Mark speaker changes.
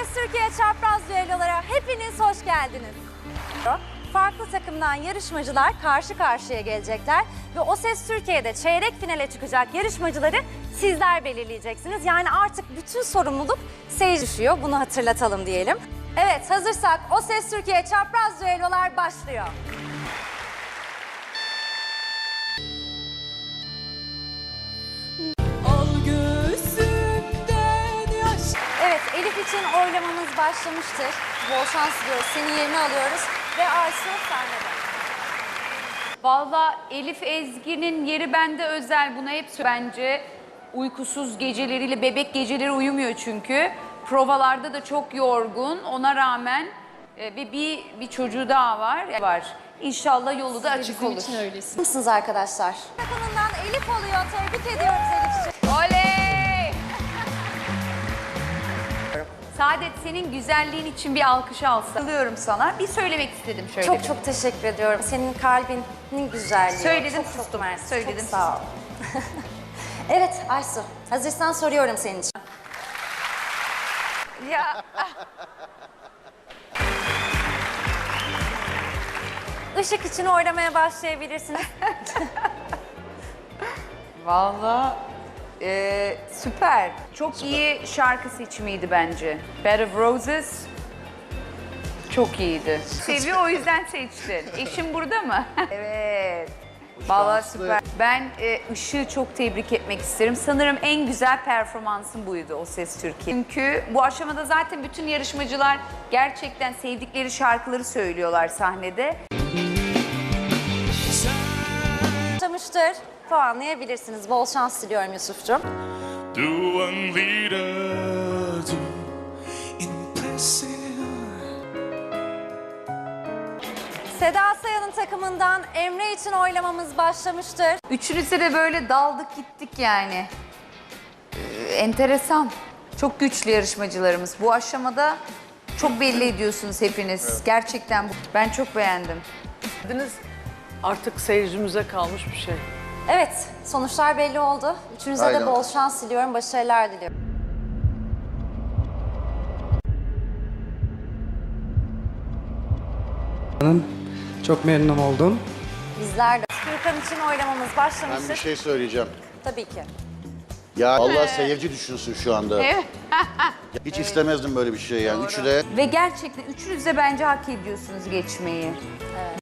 Speaker 1: Ses Türkiye Çapraz Düellolara hepiniz hoş geldiniz. Farklı takımdan yarışmacılar karşı karşıya gelecekler ve O Ses Türkiye'de çeyrek finale çıkacak yarışmacıları sizler belirleyeceksiniz. Yani artık bütün sorumluluk seyirci düşüyor. Bunu hatırlatalım diyelim. Evet, hazırsak O Ses Türkiye Çapraz Düellolar başlıyor. Evet, Elif için oylamamız başlamıştır. Bol şans diliyoruz. Senin yerini alıyoruz ve Aysu sahnede.
Speaker 2: Vallahi Elif Ezgi'nin yeri bende özel. Buna hep bence uykusuz geceleriyle, bebek geceleri uyumuyor çünkü. Provalarda da çok yorgun. Ona rağmen bir çocuğu daha var. İnşallah yolu da açık olur.
Speaker 1: Nasılsınız arkadaşlar? Takımından Elif oluyor. Tebrik ediyoruz Elif'ciğim.
Speaker 2: Oley! Saadet, senin güzelliğin için bir alkış alsam. Alıyorum sana. Bir söylemek istedim şöyle.
Speaker 1: Çok çok teşekkür ediyorum. Senin kalbinin güzelliği.
Speaker 2: Söyledim,
Speaker 1: çok,
Speaker 2: sustum.
Speaker 1: mersi.
Speaker 2: Söyledim,
Speaker 1: çok sağ ol. Evet Aysu, hazırsan soruyorum senin için.
Speaker 2: Ya.
Speaker 1: Işık için oylamaya başlayabilirsiniz.
Speaker 2: Vallahi süper. Çok iyi şarkı seçimiydi bence. Bed of Roses çok iyiydi. Seviyor, o yüzden seçtin. Eşim burada mı? Evet. Vallahi süper. Ben Işık'ı çok tebrik etmek isterim. Sanırım en güzel performansın buydu O Ses Türkiye. Çünkü bu aşamada zaten bütün yarışmacılar gerçekten sevdikleri şarkıları söylüyorlar sahnede.
Speaker 1: Başlamıştır. Puanlayabilirsiniz. Bol şans diliyorum Yusuf'cum.
Speaker 3: Do one leader do impressive.
Speaker 1: Seda Sayan'ın takımından Emre için oylamamız başlamıştır.
Speaker 2: Üçünüze de böyle daldık gittik yani. Enteresan. Çok güçlü yarışmacılarımız. Bu aşamada çok belli ediyorsunuz hepiniz. Evet. Gerçekten ben çok beğendim.
Speaker 4: Artık seyircimize kalmış bir şey.
Speaker 1: Evet, sonuçlar belli oldu. Üçünüze de
Speaker 5: Aynen.
Speaker 1: bol şans diliyorum, başarılar diliyorum.
Speaker 6: Çok memnun oldum.
Speaker 1: Bizler de Türkan için oylamamız
Speaker 5: Ben
Speaker 1: başlamıştır.
Speaker 5: bir şey söyleyeceğim.
Speaker 1: Tabii ki.
Speaker 5: Ya Allah seyirci düşünsün şu anda.
Speaker 2: Evet.
Speaker 5: Hiç istemezdim böyle bir şey yani. Üçü de
Speaker 2: Ve gerçekten üçünüz de bence hak ediyorsunuz geçmeyi.